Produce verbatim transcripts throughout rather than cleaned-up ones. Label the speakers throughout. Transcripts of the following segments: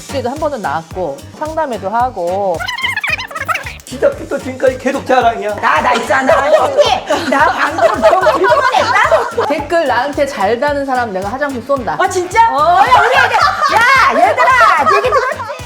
Speaker 1: 뉴스에도 한 번은 나왔고 상담회도 하고.
Speaker 2: 시작부터 지금까지 계속 자랑이야.
Speaker 3: 나, 나 있잖아. 언니! 나 방금 너무 불편했다?
Speaker 1: 댓글 나한테 잘 다는 사람 내가 화장품 쏜다.
Speaker 3: 아, 진짜? 어, 야, 우리 애들. 야, 얘들아! 얘기 들었지?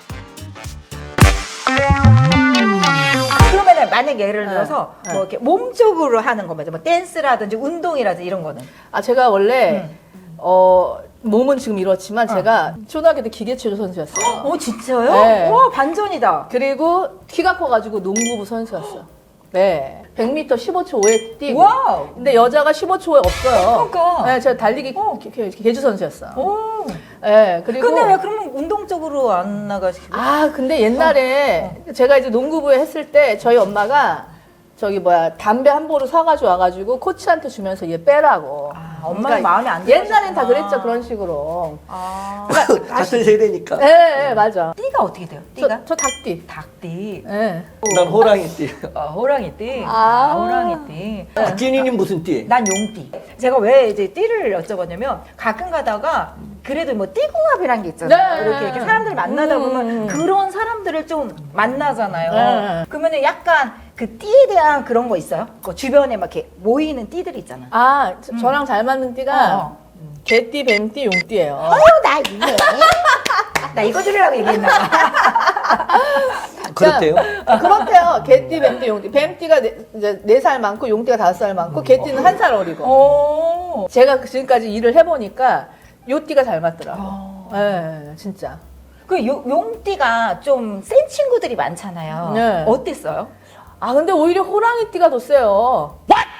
Speaker 3: 그러면은 만약에 예를 들어서
Speaker 1: 네.
Speaker 3: 뭐 이렇게 몸쪽으로 하는 거면 뭐 댄스라든지 운동이라든지 이런 거는.
Speaker 1: 아 제가 원래
Speaker 3: 음.
Speaker 1: 어 몸은 지금 이렇지만 제가 초등학교 때 기계체조 선수였어요.
Speaker 3: 어, 진짜요?
Speaker 1: 네.
Speaker 3: 와, 반전이다.
Speaker 1: 그리고 키가 커가지고 농구부 선수였어요. 네. 백 미터 십오 초 오에 뛰고.
Speaker 3: 와우.
Speaker 1: 근데 여자가 십오 초 오에 없어요.
Speaker 3: 그러니까.
Speaker 1: 네, 제가 달리기
Speaker 3: 어.
Speaker 1: 개- 개- 개주 선수였어요.
Speaker 3: 오.
Speaker 1: 네, 그리고.
Speaker 3: 근데 왜 그러면 운동 쪽으로 안 나가시고?
Speaker 1: 아, 근데 옛날에 제가 이제 농구부에 했을 때 저희 엄마가 저기 뭐야 담배 한 보루 사가지고 와가지고 코치한테 주면서 얘 빼라고.
Speaker 3: 아, 엄마는 마음에 안
Speaker 1: 옛날엔 다
Speaker 3: 들어가셨구나.
Speaker 1: 그랬죠, 그런 식으로.
Speaker 3: 아.
Speaker 2: 같은 세대니까.
Speaker 1: 네, 네, 맞아.
Speaker 3: 띠가 어떻게 돼요? 띠가?
Speaker 1: 저, 저 닭띠.
Speaker 3: 닭띠.
Speaker 1: 네.
Speaker 2: 난 호랑이띠.
Speaker 3: 아, 호랑이띠.
Speaker 1: 아.
Speaker 3: 호랑이띠.
Speaker 2: 박진희님 무슨 띠?
Speaker 3: 난 용띠. 제가 왜 이제 띠를 여쭤봤냐면 가끔 가다가 그래도 뭐 띠궁합이란 게 있잖아요.
Speaker 1: 네.
Speaker 3: 이렇게, 이렇게 사람들이 만나다 보면
Speaker 1: 음.
Speaker 3: 그런 사람들을 좀 만나잖아요.
Speaker 1: 네.
Speaker 3: 그러면은 약간 그 띠에 대한 그런 거 있어요? 그 주변에 막 이렇게 모이는 띠들이 있잖아.
Speaker 1: 아, 저, 저랑 잘 맞는 띠가
Speaker 3: 어.
Speaker 1: 개띠, 뱀띠, 용띠예요.
Speaker 3: 어, 나 이해. 나 이거 들으려고 얘기했나 봐.
Speaker 2: 그렇대요.
Speaker 1: 그렇대요. 개띠, 뱀띠, 용띠. 뱀띠가 네, 이제 네 살 많고 용띠가 다섯 살 많고 개띠는 한 살 어리고.
Speaker 3: 오.
Speaker 1: 제가 지금까지 일을 해보니까 요 띠가 잘 맞더라고.
Speaker 3: 어.
Speaker 1: 네, 진짜.
Speaker 3: 그 요- 용띠가 좀 센 친구들이 많잖아요.
Speaker 1: 네.
Speaker 3: 어땠어요?
Speaker 1: 아 근데 오히려 호랑이 띠가 더 세요.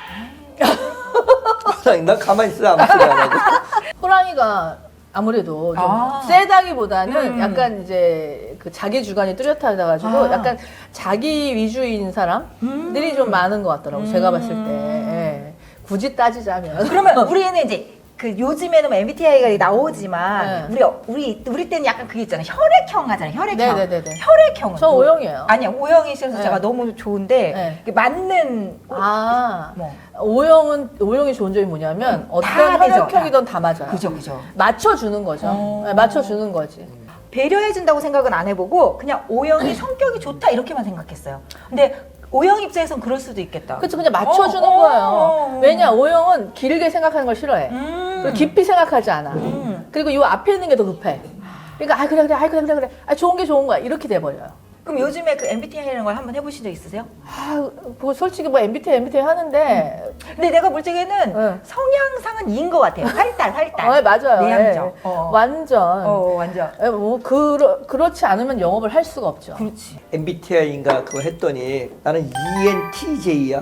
Speaker 2: 호랑이, 난 가만히 있어 아무 소리 안 하고.
Speaker 1: 호랑이가 아무래도 좀
Speaker 3: 아.
Speaker 1: 세다기보다는
Speaker 3: 음.
Speaker 1: 약간 이제 그 자기 주관이 뚜렷하다 가지고
Speaker 3: 아.
Speaker 1: 약간 자기 위주인 사람들이
Speaker 3: 음.
Speaker 1: 좀 많은 것 같더라고. 제가 봤을 때.
Speaker 3: 음.
Speaker 1: 예. 굳이 따지자면.
Speaker 3: 그러면 우리는 이제 그 요즘에는 뭐 엠비티아이가 나오지만
Speaker 1: 네.
Speaker 3: 우리 우리 우리 때는 약간 그게 있잖아요. 혈액형 하잖아요. 혈액형.
Speaker 1: 네네네네.
Speaker 3: 혈액형은
Speaker 1: 저
Speaker 3: 뭐-
Speaker 1: O형이에요.
Speaker 3: 아니야 오형이셔서
Speaker 1: 네.
Speaker 3: 제가 너무 좋은데
Speaker 1: 네.
Speaker 3: 이게 맞는
Speaker 1: 아,
Speaker 3: 뭐
Speaker 1: O형은, O형이 좋은 점이 뭐냐면
Speaker 3: 다
Speaker 1: 어떤
Speaker 3: 되죠.
Speaker 1: 혈액형이든 다 맞아요.
Speaker 3: 그죠 그죠.
Speaker 1: 맞춰주는 거죠.
Speaker 3: 어.
Speaker 1: 네, 맞춰주는 거지.
Speaker 3: 배려해준다고 생각은 안 해보고 그냥 O형이 성격이 좋다 이렇게만 생각했어요. 근데 O형 입장에선 그럴 수도 있겠다.
Speaker 1: 그쵸, 그냥 맞춰주는
Speaker 3: 어, 어,
Speaker 1: 거예요.
Speaker 3: 어.
Speaker 1: 왜냐, O형은 길게 생각하는 걸 싫어해.
Speaker 3: 음.
Speaker 1: 그리고 깊이 생각하지 않아.
Speaker 3: 음.
Speaker 1: 그리고 이 앞에 있는 게 더 급해. 그러니까, 아, 그래, 그래, 아, 그래, 그래, 그래. 아, 좋은 게 좋은 거야. 이렇게 돼버려요.
Speaker 3: 그럼 요즘에 그 엠비티아이라는 걸 한번 해보신 적 있으세요?
Speaker 1: 아, 뭐 솔직히 뭐 엠비티아이, 엠비티아이 하는데,
Speaker 3: 근데 내가 볼 적에는
Speaker 1: 응.
Speaker 3: 성향상은 이인 것 같아요. 활달, 활달.
Speaker 1: 어, 맞아요.
Speaker 3: 내향적.
Speaker 1: 예.
Speaker 3: 어.
Speaker 1: 완전.
Speaker 3: 어, 완전.
Speaker 1: 예, 뭐, 그러, 그렇지 않으면 영업을 할 수가 없죠.
Speaker 3: 그렇지.
Speaker 2: 엠비티아이인가 그거 했더니 나는 이엔티제이야.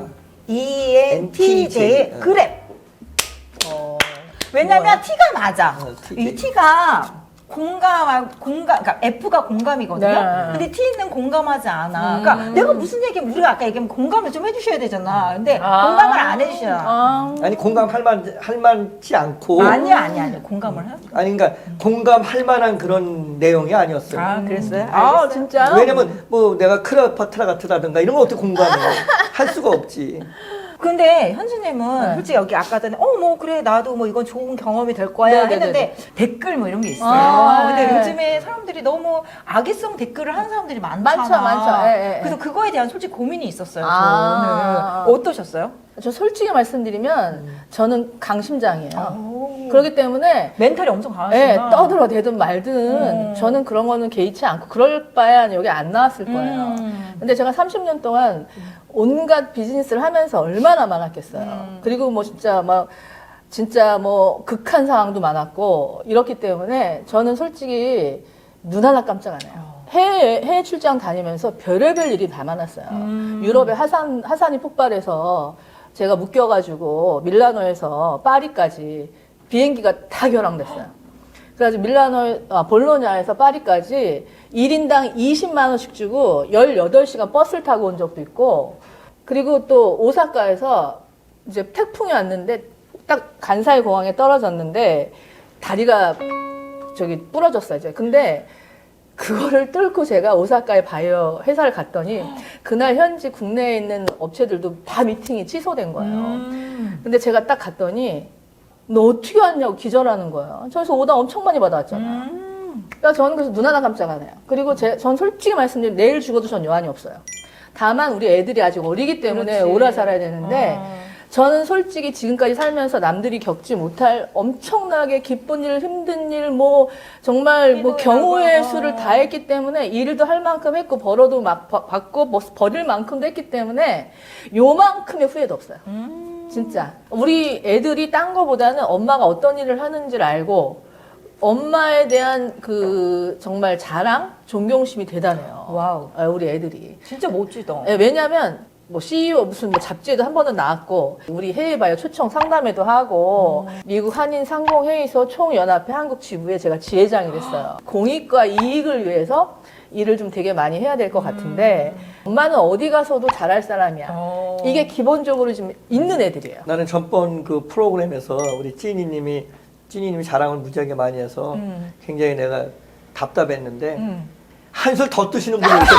Speaker 3: 이엔티제이.
Speaker 2: 응.
Speaker 3: 그래.
Speaker 1: 어,
Speaker 3: 왜냐면
Speaker 2: 뭐야?
Speaker 3: T가 맞아.
Speaker 2: 어, T.
Speaker 3: 이 T가 공감, 공감, 그러니까 F가 공감이거든요.
Speaker 1: 네.
Speaker 3: 근데 T는 공감하지 않아.
Speaker 1: 음.
Speaker 3: 그러니까 내가 무슨 얘기하면 우리가 아까 얘기하면 공감을 좀 해주셔야 되잖아. 근데
Speaker 1: 아.
Speaker 3: 공감을 안 해주셔.
Speaker 1: 아.
Speaker 2: 아니 공감할 만 할 만치 않고.
Speaker 3: 아니야, 아니야, 아니야. 공감을 해.
Speaker 2: 아니 그러니까 공감할 만한 그런 내용이 아니었어요.
Speaker 3: 아, 그랬어요?
Speaker 1: 아,
Speaker 3: 알겠어요.
Speaker 1: 진짜요?
Speaker 2: 왜냐면 뭐 내가 크레오파트라 같다든가 이런 거 어떻게 공감해? 할 수가 없지.
Speaker 3: 근데 현수님은
Speaker 1: 네.
Speaker 3: 솔직히 여기 아까 전에 어 뭐 그래 나도 뭐 이건 좋은 경험이 될 거야
Speaker 1: 네네네네.
Speaker 3: 했는데 댓글 뭐 이런 게 있어요.
Speaker 1: 아,
Speaker 3: 근데
Speaker 1: 네.
Speaker 3: 요즘에 사람들이 너무 악의성 댓글을 하는 사람들이 많잖아.
Speaker 1: 많죠, 많죠. 예, 예, 예.
Speaker 3: 그래서 그거에 대한 솔직히 고민이 있었어요.
Speaker 1: 아.
Speaker 3: 저는. 어떠셨어요?
Speaker 1: 저 솔직히 말씀드리면 저는 강심장이에요.
Speaker 3: 오.
Speaker 1: 그렇기 때문에
Speaker 3: 멘탈이 엄청 강하시구나.
Speaker 1: 예, 떠들어대든 말든
Speaker 3: 음.
Speaker 1: 저는 그런 거는 개의치 않고 그럴 바에야 여기 안 나왔을 거예요.
Speaker 3: 음.
Speaker 1: 근데 제가 삼십 년 동안 온갖 비즈니스를 하면서 얼마나 많았겠어요.
Speaker 3: 음.
Speaker 1: 그리고 뭐 진짜 막 진짜 뭐 극한 상황도 많았고 이렇기 때문에 저는 솔직히 눈 하나 깜짝 안 해요. 해외, 해외 출장 다니면서 별의별 일이 다 많았어요.
Speaker 3: 음.
Speaker 1: 유럽에 하산, 하산이 폭발해서 제가 묶여가지고 밀라노에서 파리까지 비행기가 다 결항됐어요. 그래가지고 밀라노, 아, 볼로냐에서 파리까지 일 인당 이십만 원씩 주고 열여덟 시간 버스를 타고 온 적도 있고, 그리고 또 오사카에서 이제 태풍이 왔는데 딱 간사이 공항에 떨어졌는데 다리가 저기 부러졌어요, 이제. 근데 그거를 뚫고 제가 오사카의 바이오 회사를 갔더니 그날 현지 국내에 있는 업체들도 다 미팅이 취소된 거예요.
Speaker 3: 음.
Speaker 1: 근데 제가 딱 갔더니 너 어떻게 왔냐고 기절하는 거예요. 저기서 오다 엄청 많이 받아왔잖아요.
Speaker 3: 음.
Speaker 1: 그러니까 저는 그래서 눈 하나 깜짝 안 해요. 그리고 제, 전 솔직히 말씀드리면 내일 죽어도 전 여한이 없어요. 다만 우리 애들이 아직 어리기 때문에
Speaker 3: 그렇지.
Speaker 1: 오래 살아야 되는데
Speaker 3: 어.
Speaker 1: 저는 솔직히 지금까지 살면서 남들이 겪지 못할 엄청나게 기쁜 일, 힘든 일, 뭐 정말 뭐
Speaker 3: 희노애락을,
Speaker 1: 경우의
Speaker 3: 어.
Speaker 1: 수를 다 했기 때문에 일도 할 만큼 했고 벌어도 막 버- 받고 뭐 버릴 만큼도 했기 때문에 요만큼의 후회도 없어요.
Speaker 3: 음.
Speaker 1: 진짜 우리 애들이 딴 거보다는 엄마가 어떤 일을 하는지를 알고 엄마에 대한 그 정말 자랑, 존경심이 대단해요.
Speaker 3: 와우.
Speaker 1: 아, 우리 애들이.
Speaker 3: 진짜 멋지다.
Speaker 1: 예, 왜냐면 뭐 씨이오 무슨 뭐 잡지에도 한 번은 나왔고 우리 해외 바이오 초청 상담회도 하고 미국 한인 상공회의소 총연합회 한국 지부에 제가 지회장이 됐어요. 공익과 이익을 위해서 일을 좀 되게 많이 해야 될 것 같은데 엄마는 어디 가서도 잘할 사람이야.
Speaker 3: 어.
Speaker 1: 이게 기본적으로 지금 있는 애들이에요.
Speaker 2: 나는 전번 그 프로그램에서 우리 찐이님이 찐이님이 자랑을 무지하게 많이 해서
Speaker 3: 음.
Speaker 2: 굉장히 내가 답답했는데
Speaker 3: 음.
Speaker 2: 한술 더 뜨시는 분이 있었어요.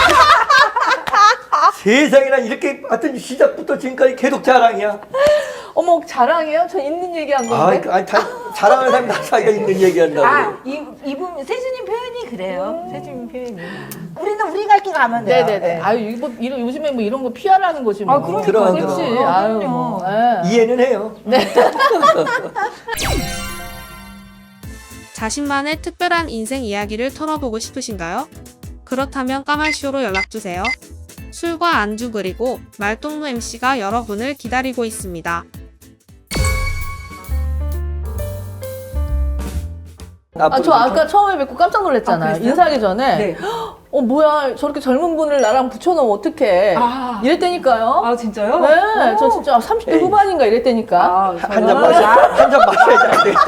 Speaker 2: 세상에나 이렇게 하여튼 시작부터 지금까지 계속 자랑이야.
Speaker 1: 어머 자랑해요? 저 있는 얘기한
Speaker 2: 아,
Speaker 1: 건데.
Speaker 2: 그, 아니, 다, 자랑하는 사람이 다 자기가 있는 얘기한다고.
Speaker 3: 아, 이, 이분, 세준님 표현이 그래요. 세준님 표현이. 우리는 우리 갈 길 가면 돼요.
Speaker 1: 네네네. 아유 이거 뭐 이런 요즘에 뭐 이런 거 피하라는 거지 뭐.
Speaker 3: 아, 그러니까.
Speaker 2: 들어가,
Speaker 1: 그렇지.
Speaker 2: 들어가.
Speaker 1: 아유
Speaker 3: 그럼요.
Speaker 1: 뭐. 예.
Speaker 2: 이해는 해요.
Speaker 4: 자신만의 특별한 인생 이야기를 털어보고 싶으신가요? 그렇다면 까말쇼로 연락주세요. 술과 안주 그리고 말동무 엠씨가 여러분을 기다리고 있습니다.
Speaker 1: 아, 저 아까 처음에 뵙고 깜짝
Speaker 3: 아,
Speaker 1: 놀랐잖아요.
Speaker 3: 그랬어요?
Speaker 1: 인사하기 전에.
Speaker 3: 네.
Speaker 1: 어, 뭐야. 저렇게 젊은 분을 나랑 붙여놓으면 어떡해.
Speaker 3: 아.
Speaker 1: 이랬다니까요.
Speaker 3: 아, 진짜요?
Speaker 1: 네.
Speaker 3: 오.
Speaker 1: 저 진짜 삼십 대
Speaker 2: 에이.
Speaker 1: 후반인가 이랬다니까.
Speaker 3: 아,
Speaker 2: 한 잔 마셔, 한잔 마셔야지 안 되겠다.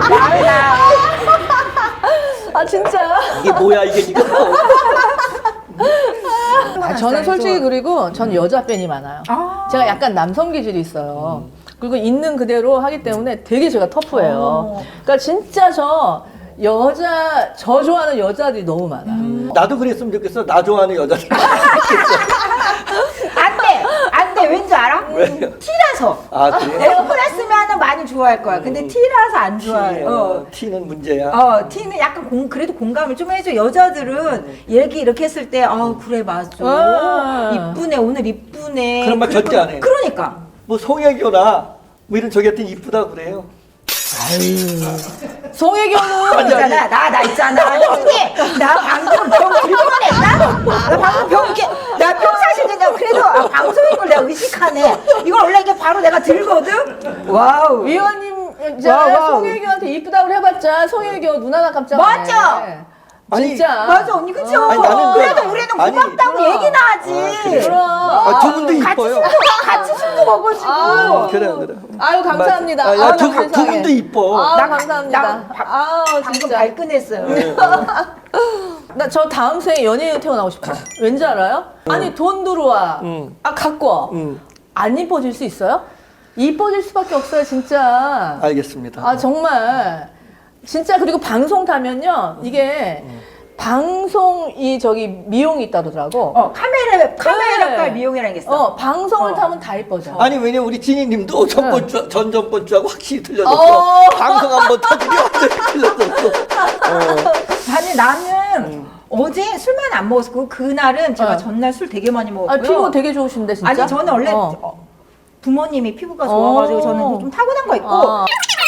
Speaker 1: 아, 진짜.
Speaker 2: 이게 뭐야, 이게 지금.
Speaker 1: 아, 저는 솔직히 그리고 전 여자 팬이 많아요.
Speaker 3: 아.
Speaker 1: 제가 약간 남성 기질이 있어요. 그리고 있는 그대로 하기 때문에 되게 제가 터프해요.
Speaker 3: 어.
Speaker 1: 그러니까 진짜 저 여자, 저 좋아하는 여자들이 너무 많아.
Speaker 2: 나도 그랬으면 좋겠어. 나 좋아하는 여자들.
Speaker 3: 안 돼! 안 돼! 왠지 알아?
Speaker 2: 왜요?
Speaker 3: 티라서.
Speaker 2: 아, 그래?
Speaker 3: 내가 플러스면은 많이 좋아할 거야. 근데 티라서 안 좋아해. 어.
Speaker 2: 티는 문제야.
Speaker 3: 어, 티는 약간 공, 그래도 공감을 좀 해줘. 여자들은 얘기 이렇게 했을 때, 아, 그래, 맞아.
Speaker 1: 아.
Speaker 3: 이쁘네, 오늘 이쁘네.
Speaker 2: 그런 말
Speaker 3: 그-
Speaker 2: 절대 안 해.
Speaker 3: 그러니까.
Speaker 2: 뭐 송혜교나 뭐 이런 저기 하여튼 이쁘다 그래요.
Speaker 1: 송혜교는
Speaker 3: 있잖아, 나, 나 있잖아. 솔직히, 나 방금 병 들고 냈다? 나 방금 병, 이렇게, 나 평상시에 내가 그래도 아, 방송인 걸 내가 의식하네. 이걸 원래 이게 바로 내가 들거든? 와우.
Speaker 1: 위원님 이제
Speaker 3: 와우, 와우.
Speaker 1: 송혜교한테 이쁘다고 해봤자 송혜교 눈 하나 깜짝 안
Speaker 3: 맞죠?
Speaker 1: 해.
Speaker 2: 아니,
Speaker 1: 진짜.
Speaker 3: 맞아, 언니, 그죠?
Speaker 2: 아니, 나는
Speaker 3: 그래도
Speaker 2: 그-
Speaker 3: 우리는
Speaker 2: 아니,
Speaker 3: 고맙다고
Speaker 1: 그럼.
Speaker 3: 얘기나 하지.
Speaker 2: 아, 그래.
Speaker 1: 그럼.
Speaker 2: 아, 두 분도
Speaker 3: 같이
Speaker 2: 이뻐요.
Speaker 3: 술도, 같이 술도 먹어주고.
Speaker 1: 아유.
Speaker 2: 그래, 그래.
Speaker 1: 아유 감사합니다.
Speaker 2: 맞아. 아, 야,
Speaker 1: 아유,
Speaker 2: 두 분-
Speaker 1: 세상에.
Speaker 2: 두 분도 이뻐.
Speaker 1: 아
Speaker 3: 나-
Speaker 1: 감사합니다.
Speaker 3: 나 바-
Speaker 1: 아우
Speaker 3: 방금
Speaker 1: 진짜.
Speaker 3: 발끈했어요.
Speaker 1: 나 저 다음 생에 연예인 태어나고 싶어. 왠지 알아요? 아니 돈 들어와.
Speaker 2: 응.
Speaker 1: 아 갖고 와.
Speaker 2: 응,
Speaker 1: 안 이뻐질 수 있어요? 이뻐질 수밖에 없어요 진짜.
Speaker 2: 알겠습니다.
Speaker 1: 아 정말 진짜. 그리고 방송 타면요 이게 방송이 저기 미용이 있다더라고.
Speaker 3: 어, 카메라, 카메라과
Speaker 1: 네.
Speaker 3: 미용이라는 게 있어.
Speaker 1: 어 방송을
Speaker 3: 어.
Speaker 1: 타면 다 이뻐져.
Speaker 2: 아니 왜냐 우리 진희님도 전번 주 전전번 주하고 확실히 틀려졌어.
Speaker 1: 어.
Speaker 2: 방송 한번 터지면 완전히 틀려졌어. 어.
Speaker 3: 아니 나는 어제 술만 안 먹었고 그날은 제가
Speaker 1: 어.
Speaker 3: 전날 술 되게 많이 먹었고요.
Speaker 1: 아 피부 되게 좋으신데 진짜.
Speaker 3: 아니 저는 원래
Speaker 1: 어.
Speaker 3: 어, 부모님이 피부가 좋아가지고
Speaker 1: 어.
Speaker 3: 저는 좀 타고난 거 있고
Speaker 1: 어.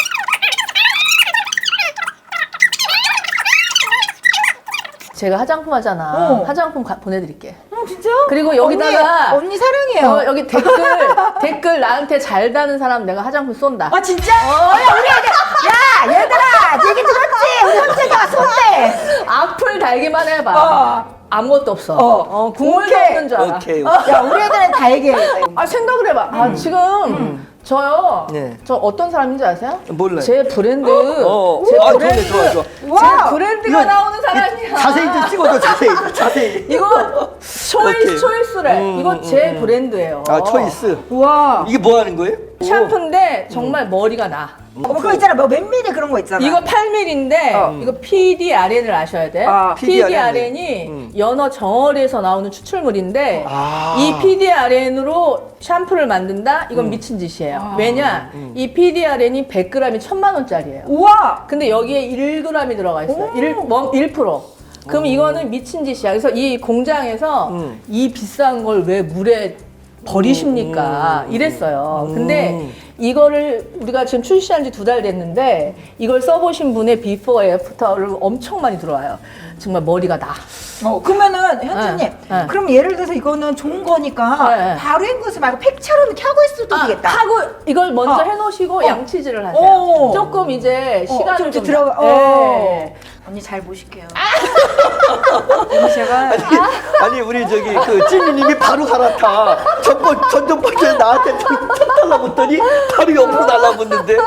Speaker 1: 제가 화장품 하잖아.
Speaker 3: 어.
Speaker 1: 화장품 가- 보내드릴게.
Speaker 3: 어, 진짜요?
Speaker 1: 그리고 여기다가
Speaker 3: 언니, 언니 사랑해요.
Speaker 1: 어, 여기 댓글 댓글 나한테 잘 다는 사람 내가 화장품 쏜다.
Speaker 3: 아 진짜? 어, 야 우리 애들 야 얘들아 얘기 들었지? 우리 형제가 손대.
Speaker 1: 악플 달기만 해봐.
Speaker 3: 어.
Speaker 1: 아무것도 없어.
Speaker 3: 어.
Speaker 1: 어, 국물도
Speaker 3: 오케이.
Speaker 1: 없는 줄 알아.
Speaker 2: 오케이.
Speaker 3: 야 우리 애들은 다 얘기해.
Speaker 1: 아 생각을 해봐. 아 지금 저요.
Speaker 2: 네.
Speaker 1: 저 어떤 사람인지 아세요?
Speaker 2: 몰라요.
Speaker 1: 제 브랜드.
Speaker 2: 어.
Speaker 1: 제
Speaker 2: 아,
Speaker 1: 브랜드.
Speaker 2: 좋네, 좋아, 좋아.
Speaker 3: 와.
Speaker 1: 제 브랜드가
Speaker 2: 이거-
Speaker 1: 나오는 사람이야.
Speaker 2: 자세히 좀 찍어줘 자세히 자세히.
Speaker 1: 이거 초이스
Speaker 2: 오케이.
Speaker 1: 초이스래.
Speaker 2: 음,
Speaker 1: 이거
Speaker 2: 음,
Speaker 1: 제
Speaker 2: 음.
Speaker 1: 브랜드예요.
Speaker 2: 아 초이스.
Speaker 3: 와.
Speaker 2: 이게 뭐 하는 거예요?
Speaker 1: 샴푸인데 정말 머리가 나.
Speaker 3: 어, 그거 있잖아. 뭐 몇 미리 그런 거 있잖아.
Speaker 1: 이거 팔 밀리미터인데
Speaker 3: 어.
Speaker 1: 이거 피디알엔을 아셔야 돼.
Speaker 3: 아,
Speaker 1: 피디알엔이
Speaker 2: 음.
Speaker 1: 연어 정어리에서 나오는 추출물인데
Speaker 2: 아.
Speaker 1: 이 피디알엔으로 샴푸를 만든다? 이건
Speaker 2: 음.
Speaker 1: 미친 짓이에요.
Speaker 3: 아.
Speaker 1: 왜냐?
Speaker 2: 음.
Speaker 1: 이 피디알엔이 백 그램이 천만 원짜리예요.
Speaker 3: 우와.
Speaker 1: 근데 여기에 일 그램이 들어가 있어요.
Speaker 3: 오.
Speaker 1: 일, 일 퍼센트. 그럼 이거는 미친 짓이야. 그래서 이 공장에서
Speaker 2: 음.
Speaker 1: 이 비싼 걸 왜 물에 버리십니까?
Speaker 2: 음.
Speaker 1: 이랬어요.
Speaker 2: 음.
Speaker 1: 근데 이거를 우리가 지금 출시한 지 두 달 됐는데 이걸 써보신 분의 비포 애프터를 엄청 많이 들어와요. 정말 머리가 나.
Speaker 3: 어, 그러면은 현주님,
Speaker 1: 네, 네.
Speaker 3: 그럼 예를 들어서 이거는 좋은 거니까
Speaker 1: 네.
Speaker 3: 바로 헹구지 말고 팩처럼 이렇게 하고 있어도
Speaker 1: 아,
Speaker 3: 되겠다.
Speaker 1: 하고 이걸 먼저
Speaker 3: 어.
Speaker 1: 해놓으시고
Speaker 3: 어.
Speaker 1: 양치질을 하세요.
Speaker 3: 오.
Speaker 1: 조금 이제
Speaker 3: 어,
Speaker 1: 시간을
Speaker 3: 좀
Speaker 1: 좀
Speaker 3: 들어가.
Speaker 1: 나-
Speaker 3: 어.
Speaker 1: 네.
Speaker 3: 언니 잘 보실게요. 언니 제가
Speaker 2: 아니 우리 저기 그 찐이님이 바로 갈아타. 전번 전전번에 나한테 턱 달라붙더니 바로 옆으로 달라붙는데.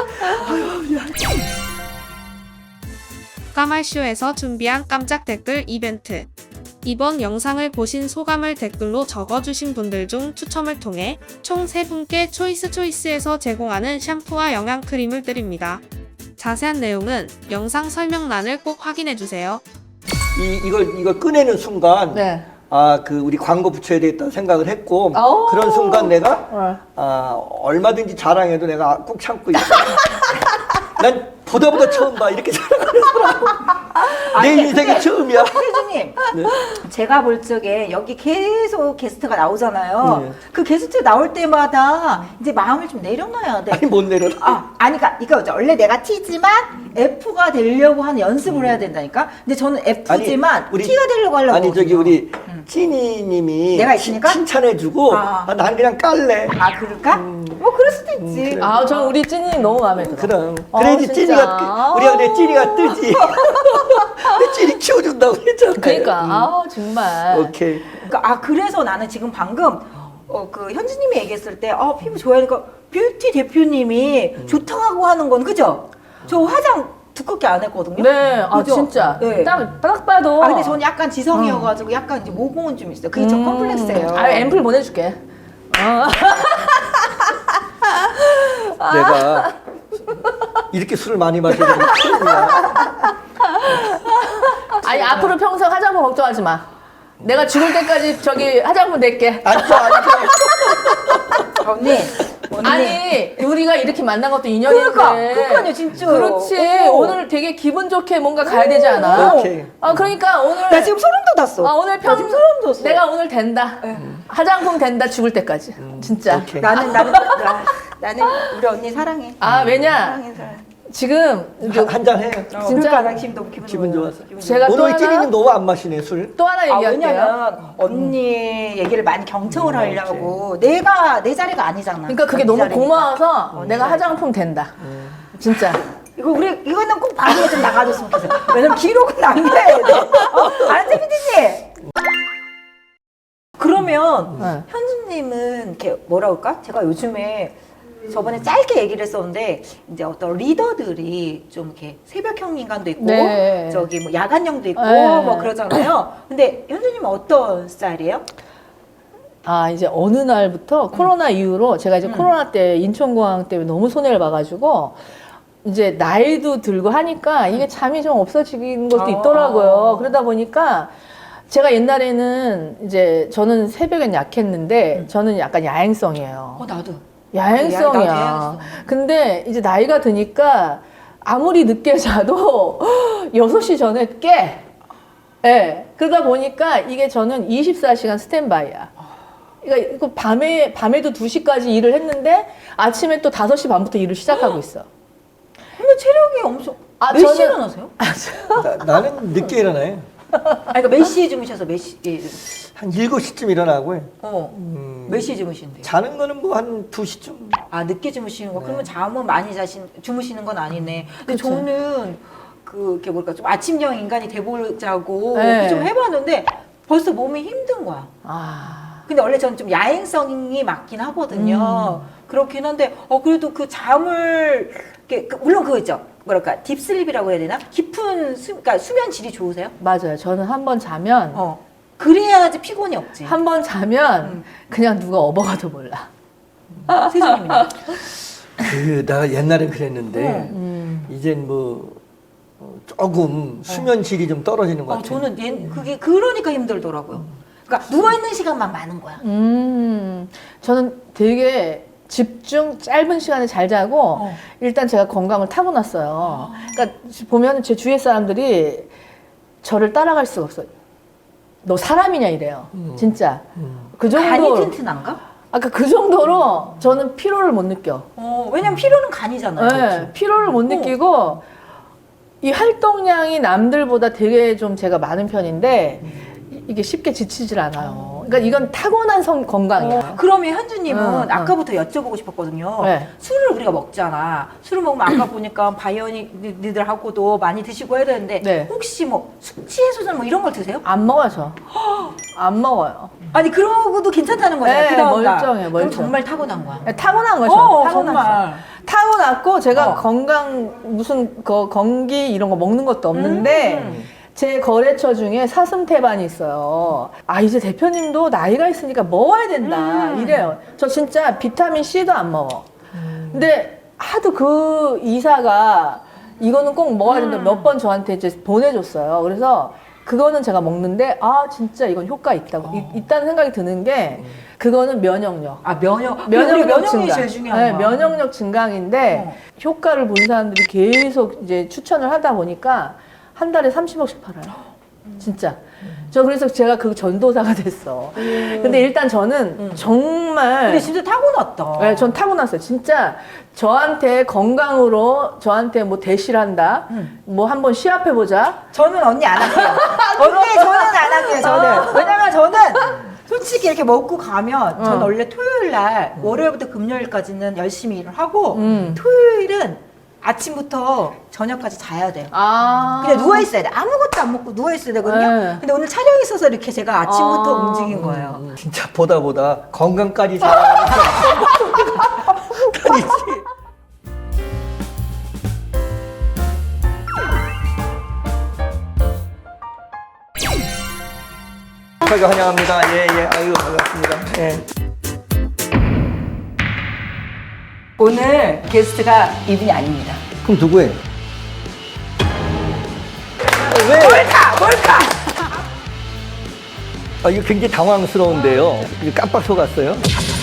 Speaker 4: 까말쇼에서 준비한 깜짝 댓글 이벤트. 이번 영상을 보신 소감을 댓글로 적어주신 분들 중 추첨을 통해 총 세 분께 초이스 초이스에서 제공하는 샴푸와 영양크림을 드립니다. 자세한 내용은 영상 설명란을 꼭 확인해주세요.
Speaker 2: 이 이걸 이걸 꺼내는 순간
Speaker 1: 네.
Speaker 2: 아 그 우리 광고 붙여야 되겠다 생각을 했고
Speaker 1: 오.
Speaker 2: 그런 순간 내가
Speaker 1: 어.
Speaker 2: 아 얼마든지 자랑해도 내가 꼭 참고 있어. 난 보다 보다 처음 봐 이렇게 자랑하는 사람. 내
Speaker 3: 아니,
Speaker 2: 인생이
Speaker 3: 근데-
Speaker 2: 처음이야.
Speaker 3: 현주님,
Speaker 2: 네.
Speaker 3: 제가 볼 적에 여기 계속 게스트가 나오잖아요.
Speaker 2: 네.
Speaker 3: 그 게스트 나올 때마다 이제 마음을 좀 내려놔야 돼.
Speaker 2: 아니 못 내려.
Speaker 3: 아, 아니, 그니까, 이거 원래 내가 T지만 F가 되려고 하는 연습을 해야 된다니까? 근데 저는 F지만
Speaker 2: 아니, 우리-
Speaker 3: T가 되려고 하려고.
Speaker 2: 아니 저기
Speaker 3: 하거든요.
Speaker 2: 우리
Speaker 3: 음.
Speaker 2: 찐이님이
Speaker 3: 내가 있으니까?
Speaker 2: 칭찬해주고
Speaker 3: 아.
Speaker 2: 아, 난 그냥 깔래.
Speaker 3: 아, 그럴까? 뭐, 그럴 수도 있지.
Speaker 2: 그래.
Speaker 1: 아, 저 우리 찐이 너무 마음에 들어.
Speaker 2: 그럼
Speaker 1: 어,
Speaker 2: 그래야지
Speaker 1: 진짜.
Speaker 2: 찐이가 우리가 내 찐이가 뜨지. 내 찐이 키워준다고 했잖아.
Speaker 1: 그러니까 아 정말.
Speaker 2: 오케이.
Speaker 3: 그러니까, 아, 그래서 나는 지금 방금, 어, 그, 현주님이 얘기했을 때, 어, 피부 좋아하니까, 뷰티 대표님이
Speaker 2: 음.
Speaker 3: 좋다고 하는 건, 그죠? 저 화장 두껍게 안 했거든요?
Speaker 1: 네, 아
Speaker 3: 그죠?
Speaker 1: 진짜.
Speaker 3: 네.
Speaker 1: 딱, 딱 봐도.
Speaker 3: 아, 근데 저는 약간 지성이어가지고 약간 이제 모공은 좀 있어요. 그게 저
Speaker 1: 음.
Speaker 3: 컴플렉스예요.
Speaker 1: 아, 앰플 보내줄게. 어.
Speaker 2: 내가 이렇게 술을 많이 마시는 건 처음이야.
Speaker 1: 아니 앞으로 평생 화장품 걱정하지 마. 내가 죽을 때까지 저기 화장품 낼게.
Speaker 2: 앉아 앉아.
Speaker 3: 아, 언니, 언니.
Speaker 1: 아니 우리가 이렇게 만난 것도 인연인데.
Speaker 3: 그러니까, 그러니까요, 진짜.
Speaker 1: 그렇지.
Speaker 3: 어.
Speaker 1: 오늘 되게 기분 좋게 뭔가 가야 되지 않아?
Speaker 2: 오케이.
Speaker 1: 아 그러니까 오늘.
Speaker 3: 나 지금 소름 돋았어.
Speaker 1: 아 오늘
Speaker 3: 나
Speaker 1: 평.
Speaker 3: 지금 소름 돋았어.
Speaker 1: 내가 오늘 된다. 화장품 된다 죽을 때까지. 진짜.
Speaker 2: 오케이.
Speaker 3: 나는, 나는, 나, 나는 우리 언니 사랑해.
Speaker 1: 아 왜냐?
Speaker 3: 사랑해, 사랑해.
Speaker 1: 지금 이제
Speaker 2: 한잔 해.
Speaker 3: 어,
Speaker 1: 진짜
Speaker 3: 그러니까 나 지금 너무 기분,
Speaker 2: 기분
Speaker 3: 좋아요.
Speaker 2: 좋았어.
Speaker 3: 기분
Speaker 1: 제가 또
Speaker 2: 오늘
Speaker 1: 하나-
Speaker 2: 찐이님 너무 안 마시네 술.
Speaker 1: 또 하나
Speaker 3: 아,
Speaker 1: 얘기할게요.
Speaker 3: 왜냐면 언니 얘기를 많이 경청을
Speaker 2: 음,
Speaker 3: 하려고 내가 내 자리가 아니잖아.
Speaker 1: 그러니까 그게
Speaker 3: 언니
Speaker 1: 너무
Speaker 3: 자리니까.
Speaker 1: 고마워서 내가 화장품 된다. 진짜.
Speaker 3: 이거 우리 이거는 꼭 방송에 좀 나가줬으면 좋겠어. 왜냐면 기록은 남겨야 돼. 어? 알았지, 피디님? 그러면
Speaker 1: 네.
Speaker 3: 현주님은 이렇게 뭐라 그럴까? 제가 요즘에 저번에 짧게 얘기를 했었는데 이제 어떤 리더들이 좀 이렇게 새벽형 인간도 있고
Speaker 1: 네.
Speaker 3: 저기 뭐 야간형도 있고
Speaker 1: 네.
Speaker 3: 뭐 그러잖아요. 근데 현주님은 어떤 스타일이에요?
Speaker 1: 아 이제 어느 날부터 코로나 이후로 제가 이제
Speaker 3: 음.
Speaker 1: 코로나 때 인천공항 때문에 너무 손해를 봐가지고 이제 나이도 들고 하니까 이게 잠이 좀 없어지는 것도
Speaker 3: 아.
Speaker 1: 있더라고요. 그러다 보니까 제가 옛날에는 이제 저는 새벽엔 약했는데 저는 약간 야행성이에요.
Speaker 3: 어 나도.
Speaker 1: 야행성이야.
Speaker 3: 나도 야행성.
Speaker 1: 근데 이제 나이가 드니까 아무리 늦게 자도 여섯 시 전에 깨. 예. 네. 그러다 보니까 이게 저는 이십사 시간 스탠바이야. 그러니까 이거 밤에, 밤에도 두 시까지 일을 했는데 아침에 또 다섯 시 반부터 일을 시작하고 있어.
Speaker 3: 근데 체력이 엄청.
Speaker 1: 아,
Speaker 3: 몇 시에
Speaker 1: 저는-
Speaker 3: 일어나세요?
Speaker 2: 나, 나는 늦게 일어나요.
Speaker 3: 아니 그러니까 몇 시에 주무셔서 몇 시에 주무세요?
Speaker 2: 한 일곱 시쯤 일어나고
Speaker 3: 어.
Speaker 2: 음,
Speaker 3: 몇 시에 주무시는데요?
Speaker 2: 자는 거는 뭐 한 두 시쯤.
Speaker 3: 아 늦게 주무시는 거.
Speaker 2: 네.
Speaker 3: 그러면 잠은 많이 자신 주무시는 건 아니네. 근데
Speaker 1: 그쵸.
Speaker 3: 저는 그 이렇게 뭘까 좀 아침형 인간이 돼보자고
Speaker 1: 네.
Speaker 3: 좀 해봤는데 벌써 몸이 힘든 거야.
Speaker 1: 아.
Speaker 3: 근데 원래 저는 좀 야행성이 맞긴 하거든요.
Speaker 1: 음.
Speaker 3: 그렇긴 한데 어 그래도 그 잠을 이렇게 그- 물론 그거 있죠. 뭐랄까 딥슬립이라고 해야 되나? 깊은 수, 그러니까 수면 질이 좋으세요?
Speaker 1: 맞아요. 저는 한 번 자면,
Speaker 3: 어. 그래야지 피곤이 없지.
Speaker 1: 한 번 자면
Speaker 3: 음.
Speaker 1: 그냥 누가 업어가도 몰라.
Speaker 3: 세준님은요?
Speaker 2: 그, 나 옛날엔 그랬는데,
Speaker 1: 음.
Speaker 2: 이젠 뭐, 어, 조금 수면 질이 좀 떨어지는 것
Speaker 3: 어,
Speaker 2: 같아요.
Speaker 3: 저는 얘, 그게 그러니까 힘들더라고요. 그러니까 누워 있는 시간만 많은 거야.
Speaker 1: 음, 저는 되게 집중 짧은 시간에 잘 자고
Speaker 3: 어.
Speaker 1: 일단 제가 건강을 타고났어요. 그러니까 보면 제 주위의 사람들이 저를 따라갈 수가 없어요. 너 사람이냐 이래요.
Speaker 2: 음.
Speaker 1: 진짜.
Speaker 2: 음.
Speaker 1: 그
Speaker 3: 간이
Speaker 1: 정도.
Speaker 3: 튼튼한가?
Speaker 1: 아까 그 정도로 저는 피로를 못 느껴.
Speaker 3: 어, 왜냐면 피로는 간이잖아요.
Speaker 1: 네, 피로를 못 느끼고 이 활동량이 남들보다 되게 좀 제가 많은 편인데 이- 이게 쉽게 지치질 않아요. 그러니까 이건 타고난 성 건강이에요.
Speaker 3: 어, 그러면 현주님은
Speaker 1: 응, 응.
Speaker 3: 아까부터 여쭤보고 싶었거든요.
Speaker 1: 네.
Speaker 3: 술을 우리가 먹잖아. 술을 먹으면 아까 보니까 바이오니들하고도 많이 드시고 해야 되는데
Speaker 1: 네.
Speaker 3: 혹시 뭐 숙취 해소제 뭐 이런 걸 드세요?
Speaker 1: 안 먹어요, 저. 안 먹어요.
Speaker 3: 아니 그러고도 괜찮다는 거잖아요.
Speaker 1: 네,
Speaker 3: 그 다음 날.
Speaker 1: 멀쩡해요,
Speaker 3: 그럼
Speaker 1: 멀쩡.
Speaker 3: 정말 타고난 거야.
Speaker 1: 네, 타고난 거죠.
Speaker 3: 어,
Speaker 1: 타고났어.
Speaker 3: 정말.
Speaker 1: 타고났고 제가
Speaker 3: 어.
Speaker 1: 건강 무슨 그 건기 이런 거 먹는 것도 없는데
Speaker 3: 음.
Speaker 1: 제 거래처 중에 사슴태반이 있어요. 아 이제 대표님도 나이가 있으니까 먹어야 된다
Speaker 3: 음.
Speaker 1: 이래요. 저 진짜 비타민 C도 안 먹어. 근데 하도 그 이사가 이거는 꼭 먹어야 된다
Speaker 3: 음.
Speaker 1: 몇 번 저한테 이제 보내줬어요. 그래서 그거는 제가 먹는데 아 진짜 이건 효과 있다고 이- 있다는 생각이 드는 게 그거는 면역력.
Speaker 3: 아 면역
Speaker 1: 면역력
Speaker 3: 면역력이
Speaker 1: 증강.
Speaker 3: 제일 중요한
Speaker 1: 네,
Speaker 3: 거야.
Speaker 1: 면역력 증강인데
Speaker 3: 어.
Speaker 1: 효과를 본 사람들이 계속 이제 추천을 하다 보니까 한 달에 삼십억씩 팔아요. 진짜. 저 그래서 제가 그 전도사가 됐어. 근데 일단 저는 정말
Speaker 3: 근데 진짜 타고났다.
Speaker 1: 네, 전 타고났어요. 진짜 저한테 건강으로 저한테 뭐 대시를 한다.
Speaker 3: 음.
Speaker 1: 뭐 한번 시합해 보자.
Speaker 3: 저는 언니 안 할게요. 언니 저는 안 할게요. 저는 왜냐면 저는 솔직히 이렇게 먹고 가면 저는
Speaker 1: 어.
Speaker 3: 원래 토요일 날 월요일부터 금요일까지는 열심히 일을 하고
Speaker 1: 음.
Speaker 3: 토요일은 아침부터 저녁까지 자야 돼요.
Speaker 1: 아.
Speaker 3: 그냥 누워 있어야 돼. 아무것도 안 먹고 누워 있어야 되거든요.
Speaker 1: 네.
Speaker 3: 근데 오늘 촬영이 있어서 이렇게 제가 아침부터
Speaker 1: 아.
Speaker 3: 움직인 거예요.
Speaker 2: 음, 진짜 보다 보다 건강까지 잘하는 편이지. 저희가 환영합니다. 예, 예. 아유, 반갑습니다. 예.
Speaker 3: 오늘 게스트가 이분이 아닙니다.
Speaker 2: 그럼 누구예요? 왜?
Speaker 3: 몰카! 몰카!
Speaker 2: 아, 이거 굉장히 당황스러운데요. 이거 깜빡 속았어요.